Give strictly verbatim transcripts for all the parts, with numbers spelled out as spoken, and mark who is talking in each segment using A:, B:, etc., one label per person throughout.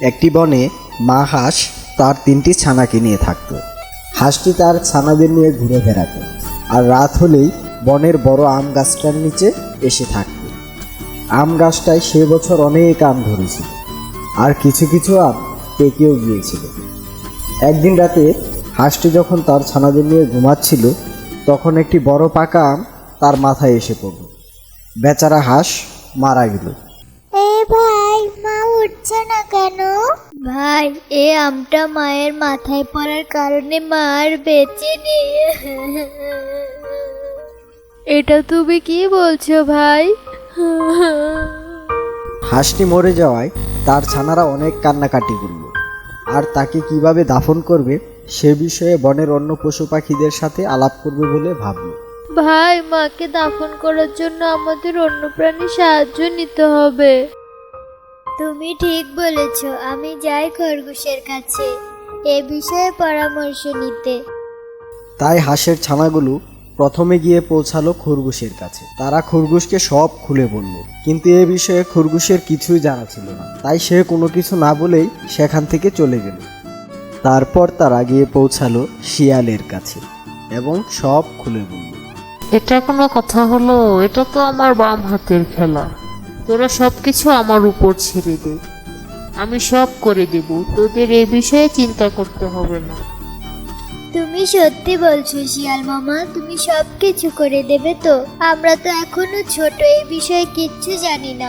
A: একটি বনে মা হাঁস তার তিনটি ছানাকে নিয়ে থাকত। হাঁসটি তার ছানাদের নিয়ে ঘুরে বেড়াত, আর রাত হলেই বনের বড় আম গাছটার নিচে এসে থাকত। আম গাছটায় সে বছর অনেক আম ধরেছিল, আর কিছু কিছু আম পেকেও গিয়েছিল। একদিন রাতে হাঁসটি যখন তার ছানাদের নিয়ে ঘুমাচ্ছিল, তখন একটি বড় পাকা আম তার মাথায় এসে পড়ল। বেচারা হাঁস মারা গেল।
B: এ ভাই, মা উঠছে না কেন? ভাই, এ আমটা মায়ের মাথায় পড়ার কারণে মা আর বেঁচে নেই।
C: এটা তুমি কি বলছো ভাই?
A: হাঁসটি মরে যাওয়ায় তার ছানারা অনেক কান্নাকাটি করল, আর তাকে কিভাবে দাফন করবে সে বিষয়ে বনের অন্য পশু পাখিদের সাথে আলাপ করবে বলে ভাবল।
C: ভাই, মাকে দাফন করার জন্য আমাদের অন্য প্রাণী সাহায্য নিতে হবে।
B: তুমি ঠিক বলেছ, আমি যাই খরগোশের কাছে এ বিষয়ে পরামর্শ নিতে।
A: তাই হাঁসের ছানাগুলো প্রথমে গিয়ে পৌঁছালো খরগোশের কাছে। তারা খরগোশকে সব খুলে বলল, কিন্তু এ বিষয়ে খরগোশের কিছুই জানা ছিল না। তাই সে কোনো কিছু না বলেই সেখান থেকে চলে গেল। তারপর তারা গিয়ে পৌঁছালো শিয়ালের কাছে এবং সব খুলে বলল।
D: এটা কোনো কথা হলো? এটা তো আমার বাম হাতের খেলা। তোরা সব কিছু আমার উপর ছেড়ে দে, আমি সব করে দেব। তোদের এ বিষয়ে চিন্তা করতে হবে না।
B: তুমি সত্যি বলছো শিয়াল মামা? তুমি সব কিছু করে দেবে তো? আমরা তো এখনো ছোট, এই বিষয়ে কিচ্ছু জানি না।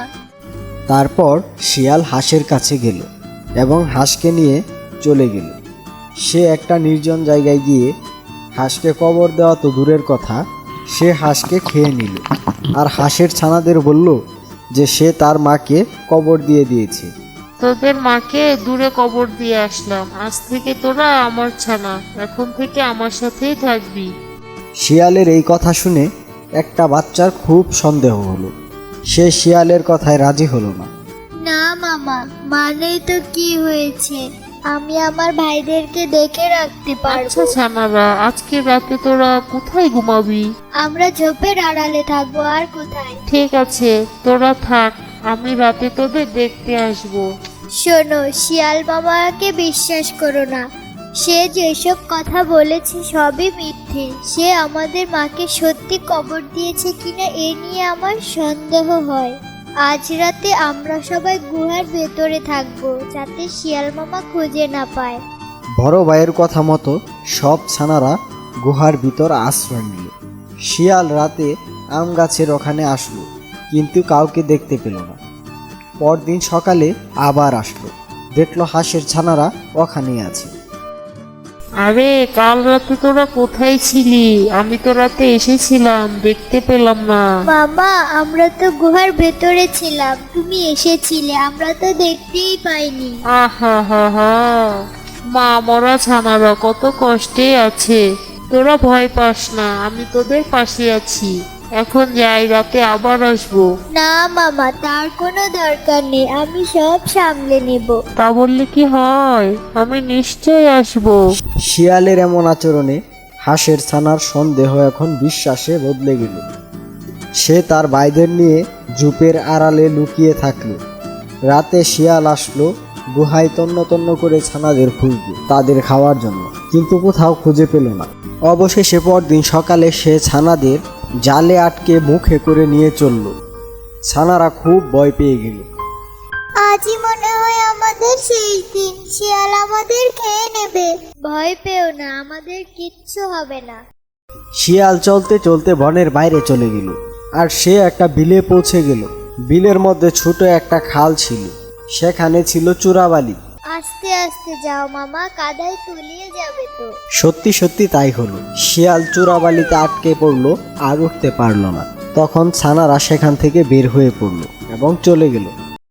A: তারপর শিয়াল হাঁসের কাছে গেল এবং হাঁসকে নিয়ে চলে গেল। সে একটা নির্জন জায়গায় গিয়ে হাঁসকে কবর দেওয়া তো দূরের কথা, সে হাঁসকে খেয়ে নিল। আর হাঁসের ছানাদের বলল যে সে তার মাকে কবর দিয়ে দিয়েছে।
D: তোদের মাকে দূরে কবর দিয়ে আসলাম, আজ থেকে তোরা আমার ছানা, এখন থেকে আমার সাথেই থাকবি।
A: শিয়ালের এই কথা শুনে একটা বাচ্চার খুব সন্দেহ হলো। সে শিয়ালের কথায় রাজি হলো না।
B: না মামা, মানেই তো কি হয়েছে, আমি আমার ভাইদেরকে দেখে রাখতে পারবো।
D: আচ্ছা ছানারা, আজকে রাতে তোরা কোথায় ঘুমাবি?
B: আমরা ঝোপের আড়ালে থাকবো, আর কোথায়?
D: ঠিক আছে, তোরা থাক, আমি রাতে তোদের দেখতে আসবো।
B: শোনো, শিয়াল মামাকে বিশ্বাস করো না। সে যেসব কথা বলেছে সবই মিথ্যে। সে আমাদের মাকে সত্যি কবর দিয়েছে কিনা এ নিয়ে আমার সন্দেহ হয়। আজ রাতে আমরা সবাই গুহার ভেতরে থাকবো, যাতে শিয়াল মামা খুঁজে না পায়।
A: বড় ভাইয়ের কথা মতো সব ছানারা গুহার ভিতর আশ্রয় নিল। শিয়াল রাতে আম গাছের ওখানে আসলো, কিন্তু কাউকে দেখতে পেল না। পরদিন সকালে আবার আসলো, দেখলো হাঁসের ছানারা ওখানেই আছে।
D: আরে, কাল রাতে তোরা কোথায় ছিলি? আমি তো রাতে এসেছিলাম, দেখতে পেলাম না।
B: মামা, আমরা তো গুহার ভেতরে ছিলাম, তুমি এসেছিলে, আমরা তো দেখতেই পাইনি।
D: আহা হা হা, মা মরা ছানারা কত কষ্টে আছে। তোরা ভয় পাস না, আমি তোদের পাশে আছি। এখন যাই, রাতে আবার আসবো।
B: না মামা, তার কোনো দরকার নেই, আমি সব সামলে নেব।
D: তা বললে কি হয়? আমি নিশ্চয়ই আসবো।
A: শিয়ালের এমন আচরণে হাঁসের ছানার সন্দেহ এখন বিশ্বাসে বদলে গেল। সে তার ভাইদের নিয়ে ঝোপের আড়ালে লুকিয়ে থাকলো। রাতে শিয়াল আসলো গুহায় তন্ন তন্ন করে ছানাদের খুঁজল তাদের খাওয়ার জন্য, কিন্তু কোথাও খুঁজে পেল না। অবশেষে পরদিন সকালে সে ছানাদের জালে আটকে মুখে করে নিয়ে চলল। ছানারা খুব ভয় পেয়ে গেল।
B: আজই মনে হয় আমাদের সেই দিন, শিয়াল আমাদের খেয়ে নেবে। ভয় পেও না, আমাদের কিচ্ছু হবে না।
A: শিয়াল চলতে চলতে বনের বাইরে চলে গেল, আর সে একটা বিলে পৌঁছে গেল। বিলের মধ্যে ছোট একটা খাল ছিল, সেখানে ছিল চূড়াবালি।
B: আস্তে আস্তে যাও মামা, কাদায় তলিয়ে যাবে তো।
A: সত্যি সত্যি তাই হলো। শিয়াল চূড়াবালিতে আটকে পড়লো আর উঠতে পারলো না। তখন ছানারা সেখান থেকে বের হয়ে পড়লো এবং চলে গেল।